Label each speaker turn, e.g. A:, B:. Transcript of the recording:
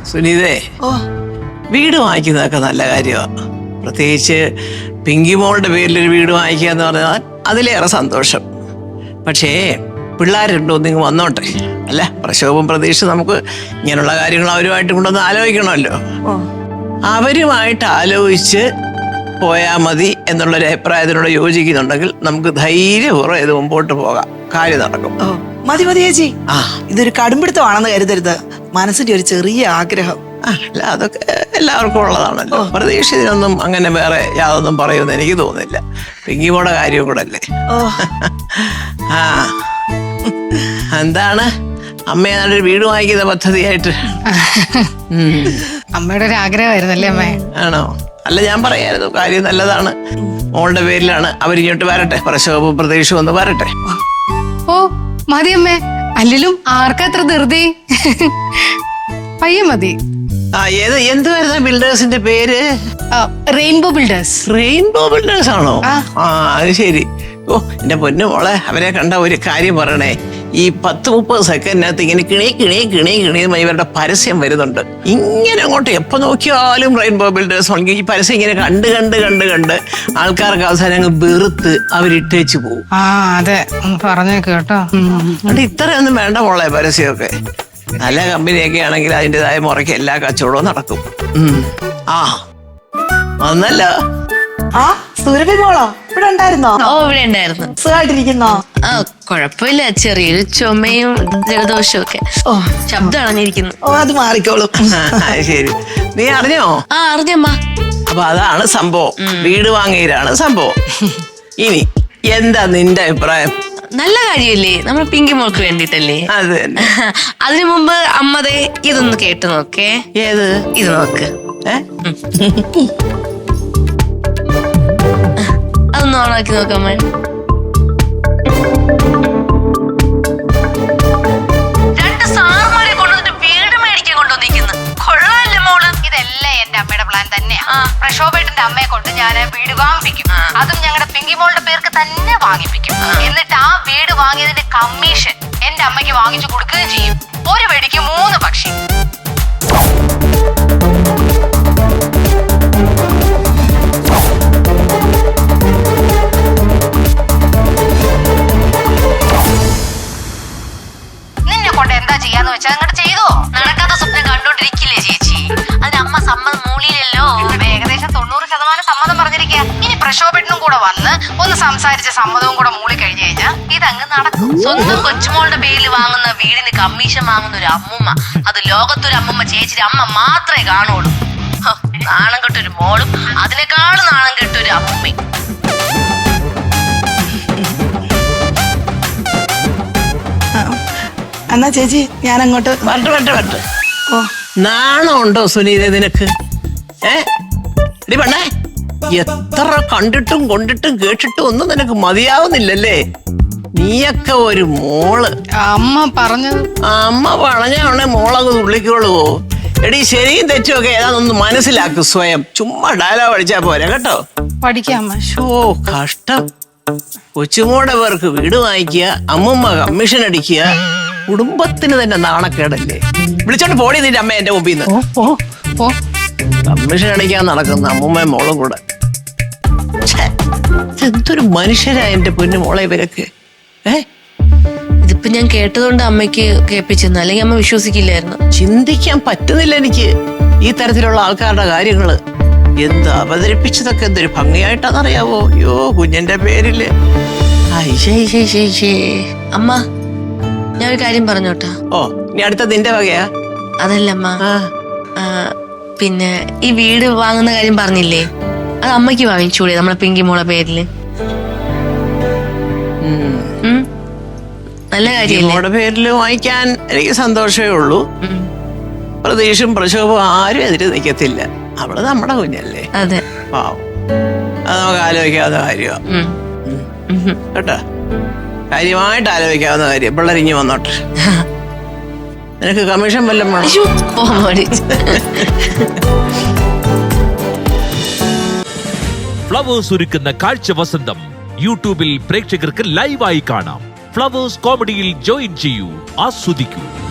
A: സുനീതേ, വീട് വാങ്ങിക്കുന്നതൊക്കെ നല്ല കാര്യമാണ്. പ്രത്യേകിച്ച് പിങ്കിമോളുടെ പേരിലൊരു വീട് വാങ്ങിക്കുക എന്ന് പറഞ്ഞാൽ അതിലേറെ സന്തോഷം. പക്ഷേ പിള്ളേരുണ്ടോ നിങ്ങൾ വന്നോട്ടെ. അല്ല, പ്രക്ഷോഭം പ്രതീക്ഷ നമുക്ക് ഇങ്ങനെയുള്ള കാര്യങ്ങൾ അവരുമായിട്ട് കൊണ്ടൊന്ന് ആലോചിക്കണമല്ലോ. അവരുമായിട്ട് ആലോചിച്ച് പോയാൽ മതി എന്നുള്ളൊരു അഭിപ്രായത്തിനോട് യോജിക്കുന്നുണ്ടെങ്കിൽ നമുക്ക് ധൈര്യപൂർവ്വം ഇത് മുമ്പോട്ട് പോകാം, കാര്യം നടക്കും.
B: മതി മതി ചേച്ചി, ഇതൊരു കടുംപിടുത്തമാണെന്ന് കരുതരുത്. മനസ്സിന്റെ ഒരു ചെറിയ ആഗ്രഹം.
A: അല്ല, അതൊക്കെ എല്ലാവർക്കും ഉള്ളതാണല്ലോ. പ്രതീക്ഷിതൊന്നും അങ്ങനെ വേറെ യാതൊന്നും പറയുമെന്ന് എനിക്ക് തോന്നുന്നില്ല. പിങ്കിമോടെ കാര്യം കൂടെ അല്ലേ. ആ, എന്താണ് അമ്മയെ നല്ലൊരു വീട് വാങ്ങിക്കുന്ന പദ്ധതിയായിട്ട്?
C: അമ്മയുടെ ഒരു ആഗ്രഹമായിരുന്നല്ലേ അമ്മേ?
A: ആണോ? അല്ല, ഞാൻ പറയായിരുന്നു, കാര്യം നല്ലതാണ്. മോളുടെ പേരിലാണ്. അവരിങ്ങോട്ട് വരട്ടെ, പ്രക്ഷോഭവും പ്രതീക്ഷയും ഒന്ന് വരട്ടെ.
C: ഓ മതി അമ്മേ, അല്ലേലും ആർക്കത്ര ധൃതി. പയ്യെ മതി.
A: എന്തുവായിരുന്നു ബിൽഡേഴ്സിന്റെ പേര്?
C: Rainbow builders.
A: റെയിൻബോ ബിൽഡേഴ്സ് ആണോ? അത് ശരി. ഓ, എന്റെ പൊന്നു മോളെ, അവരെ കണ്ട ഒരു കാര്യം പറയണേ. ഈ 10-30 സെക്കൻഡിനകത്ത് ഇങ്ങനെ കിണി കിണി കിണി കിണിയുമായി ഇവരുടെ പരസ്യം വരുന്നുണ്ട്. ഇങ്ങനെ അങ്ങോട്ട് എപ്പോ നോക്കിയാലും റെയിൻബോ ബിൽഡേഴ്സ് ആണെങ്കിൽ ഈ പരസ്യം ഇങ്ങനെ കണ്ട് കണ്ട് കണ്ട് കണ്ട് ആൾക്കാർക്ക് അവസാനം അങ്ങ് വെറുത്ത് അവരിട്ടേച്ച് പോകും.
C: അതെ, പറഞ്ഞു കേട്ടോ.
A: അതുകൊണ്ട് ഇത്രയൊന്നും വേണ്ട മോളെ പരസ്യമൊക്കെ. നല്ല കമ്പനിയൊക്കെ ആണെങ്കിൽ അതിൻ്റെതായ മുറയ്ക്ക് എല്ലാ കച്ചവടവും നടക്കും. വന്നല്ലോ.
B: സുരഭി മോളോ ഇവിടെ ഉണ്ടായിരുന്നോ?
D: ഓ, ഇവിടെ ഉണ്ടായിരുന്നു.
B: സുഖമായിട്ടിരിക്കുന്നോ?
D: കുഴപ്പമില്ല, ചെറിയൊരു ചുമയും ജലദോഷവും ഒക്കെ. ശബ്ദം അണഞ്ഞിരിക്കുന്നു.
B: അത് മാറിക്കോളും.
A: ശരി, നീ അറിഞ്ഞോ?
D: അറിഞ്ഞമ്മ.
A: അപ്പൊ അതാണ് സംഭവം. വീട് വാങ്ങിയതാണ് സംഭവം. ഇനി എന്താ നിന്റെ അഭിപ്രായം?
D: നല്ല കാര്യല്ലേ, നമ്മൾ പിങ്കി മോൾക്ക് വേണ്ടിട്ടല്ലേ.
A: അത് തന്നെ.
D: അതിനു മുമ്പ് അമ്മതേ ഇതൊന്ന് കേട്ട് നോക്കേ.
A: ഏത്?
D: ഇത് നോക്ക്. അതൊന്ന് ഓണാക്കി നോക്കാമ്മ. രണ്ട് സാറുമാരെ കൊണ്ടുവന്നിട്ട് വീട് മേടിക്കാൻ കൊണ്ടുവന്നിരിക്കുന്നു. കൊള്ളാല്ലേ മോള്?
E: ഇതെല്ലാം എന്റെ അമ്മയുടെ പ്ലാൻ തന്നെയാ. പ്രക്ഷോഭേട്ടന്റെ അമ്മയെ കൊണ്ട് ഞാൻ വീട് വാങ്ങിപ്പിക്കും. അതും ഞങ്ങളുടെ പിങ്കിമോളുടെ പേർക്ക് തന്നെ വാങ്ങിപ്പിക്കും. എന്നിട്ട് ആ വീട് വാങ്ങിയതിന്റെ കമ്മീഷൻ എന്റെ അമ്മയ്ക്ക് വാങ്ങിച്ചു കൊടുക്കുകയും ചെയ്യും. ഒരു വെടിക്ക് 3 പക്ഷി. നിന്നെ കൊണ്ട് എന്താ ചെയ്യാന്ന് വെച്ചാൽ അങ്ങോട്ട് ചെയ്തോ. നടക്കാത്ത സ്വപ്നം കണ്ടോണ്ടിരിക്കില്ലേ ചേച്ചി? അതിന് അമ്മ സമ്മതം മൂളിയില്ലല്ലോ. ഏകദേശം 90% സമ്മതം പറഞ്ഞിരിക്കുക. ഇനി പ്രക്ഷോഭനും കൂടെ വന്ന് ഒന്ന് സംസാരിച്ച സമ്മതവും കൂടെ മൂളി കഴിഞ്ഞു കഴിഞ്ഞാൽ ഇതങ്ങ് നടക്കും.
D: സ്വന്തം കൊച്ചുമോളുടെ പേരിൽ വാങ്ങുന്ന വീടിന് കമ്മീഷൻ വാങ്ങുന്ന ഒരു അമ്മുമ്മ, അത് ലോകത്തൊരു അമ്മുമ്മ ചേച്ചിയുടെ അമ്മ മാത്രമേ കാണുള്ളൂ. നാണം കെട്ടൊരു മോളും അതിനേക്കാളും നാണം കെട്ടൊരു അമ്മുമ്മയും.
B: എന്നാ ചേച്ചി ഞാൻ അങ്ങോട്ട്
A: വരട്ടെ. നാണമുണ്ടോ സുനീത നിനക്ക്? പെണ്ണേ, എത്ര കണ്ടിട്ടും കൊണ്ടിട്ടും കേട്ടിട്ടും ഒന്നും നിനക്ക് മതിയാവുന്നില്ലല്ലേ? നീയൊക്കെ ഒരു മോള്.
C: അമ്മ പറഞ്ഞത്.
A: അമ്മ പറഞ്ഞാണെ മോളങ്ങ് തുള്ളിക്കോളുവോ? എടീ, ശരിയും തെറ്റുമൊക്കെ ഏതാണെന്ന് മനസ്സിലാക്കും സ്വയം. ചുമ്മാ ഡയലോഗ് അടിച്ചാ പോരെ കേട്ടോ.
C: പഠിക്കാം.
A: കഷ്ടം. കൊച്ചുമോടെ പേർക്ക് വീട് വാങ്ങിക്കുക, അമ്മമ്മ കമ്മീഷൻ അടിക്കുക. കുടുംബത്തിന് തന്നെ നാണക്കേടല്ലേ? വിളിച്ചോണ്ട് പോടി നിന്റെ അമ്മ എന്റെ മുമ്പിൽ നിന്ന്. കമ്മീഷൻ അടിക്കാൻ നടക്കുന്ന അമ്മൂമ്മയും മോളും കൂടെ. എന്തൊരു മനുഷ്യരാ എന്റെ പൊന്നു മോളെ ഇവരൊക്കെ.
D: ഇതിപ്പോ ഞാൻ കേട്ടതുകൊണ്ട് അമ്മയ്ക്ക് കേൾപ്പിച്ചെന്നു, അല്ലെങ്കിൽ അമ്മ വിശ്വസിക്കില്ലായിരുന്നു.
A: ചിന്തിക്കാൻ പറ്റുന്നില്ല എനിക്ക് ഈ തരത്തിലുള്ള ആൾക്കാരുടെ കാര്യങ്ങള്. എന്ത് അവതരിപ്പിച്ചതൊക്കെ എന്തൊരു ഭംഗിയായിട്ടാണെന്നറിയാവോ? അയ്യോ, കുഞ്ഞിന്റെ പേരില്.
D: അമ്മ, ഞാൻ ഒരു കാര്യം പറഞ്ഞോട്ടാ.
A: ഇനി അടുത്ത നിന്റെ വകയാ?
D: അതല്ല അമ്മ, പിന്നെ ഈ വീട് വാങ്ങുന്ന കാര്യം പറഞ്ഞില്ലേ, അത് അമ്മയ്ക്ക് വാങ്ങിച്ചൂടെ നമ്മളെ പിങ്കി മോളെ പേരില്? നല്ല കാര്യം.
A: മോളുടെ പേരില് വാങ്ങിക്കാൻ എനിക്ക് സന്തോഷമേ ഉള്ളൂ. പ്രതീക്ഷയും പ്രക്ഷോഭവും ആരും എതിര് നിൽക്കത്തില്ല. അവള് നമ്മുടെ കുഞ്ഞല്ലേ.
D: അതെ,
A: പാവം. അത് നമുക്ക് ആലോചിക്കാവുന്ന കാര്യമാണ് കേട്ടോ. കാര്യമായിട്ട് ആലോചിക്കാവുന്ന കാര്യം. പിള്ളേരിഞ്ഞ് വന്നോട്ടെ. നിനക്ക് കമ്മീഷൻ വല്ലതും വേണം?
F: ഫ്ലവേഴ്സ് ഒരുക്കുന്ന കാഴ്ച വസന്തം യൂട്യൂബിൽ പ്രേക്ഷകർക്ക് ലൈവായി കാണാം. ഫ്ലവേഴ്സ് കോമഡിയിൽ ജോയിൻ ചെയ്യൂ, ആസ്വദിക്കൂ.